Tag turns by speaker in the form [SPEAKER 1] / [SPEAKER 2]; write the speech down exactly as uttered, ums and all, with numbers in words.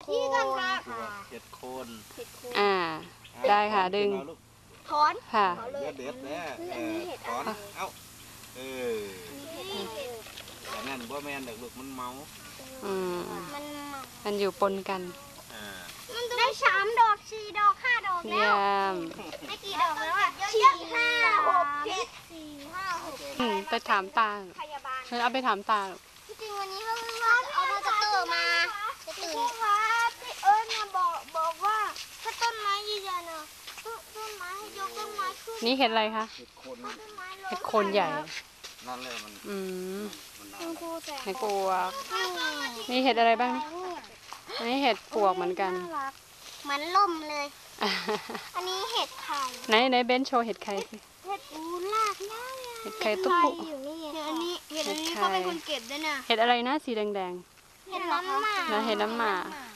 [SPEAKER 1] ที่กันค่ะ
[SPEAKER 2] เห็ดโคน
[SPEAKER 3] อ่าได้ค่ะดึง
[SPEAKER 1] ถอน
[SPEAKER 3] ค่ะ
[SPEAKER 2] เด็ดเด็ดแน่ถอนเอ้าเออแต่นั่นบ่แม่นเด็กลูกมันเมา
[SPEAKER 3] อืม
[SPEAKER 1] มัน
[SPEAKER 3] มันอยู่ปนกัน
[SPEAKER 1] ได้สามดอกสี่ดอกห้าดอกแล้วได้กี่ดอกแล้วอ่ะสี่ห้าหกเจ็ดสี่ห้าหก
[SPEAKER 3] ไปถามตาเธอเอาไปถามตา
[SPEAKER 1] จริงวันนี้เขาว่าจะเอามาจะเติมมาจะตื่นครับพี่เอิญมาบอกบอกว่าถ้าต้นไม้ใหญ่ๆนะต้นไม้ยกต้นไม้ขึ้น
[SPEAKER 3] นี่เห็ดอะไรคะเห็ดโคนเห็ดโคนใหญ่
[SPEAKER 2] นั่นเลยมัน
[SPEAKER 3] อืม
[SPEAKER 1] เห็ด
[SPEAKER 3] ปวกนี่เห็ดอะไรบ้างนี่เห็ดปวกเหมือนกัน
[SPEAKER 1] เหมือนล่มเลยอันนี้เห็ดไข่
[SPEAKER 3] ไหนไหนเบนโชว์เห็ดไข่สิ
[SPEAKER 1] เห็ดอูลากย่า
[SPEAKER 3] เห็ดไข่ตุ๊กปุ๊
[SPEAKER 1] อยู่นี่เห็ดอันนี้เห็ดอันนี้เขาเป็นคนเก็บด้วยนะ
[SPEAKER 3] เห็ดอะไรนะสีแดง
[SPEAKER 1] ๆเห็ดน้ำหมา
[SPEAKER 3] แล้วเห็ดน้ำหมา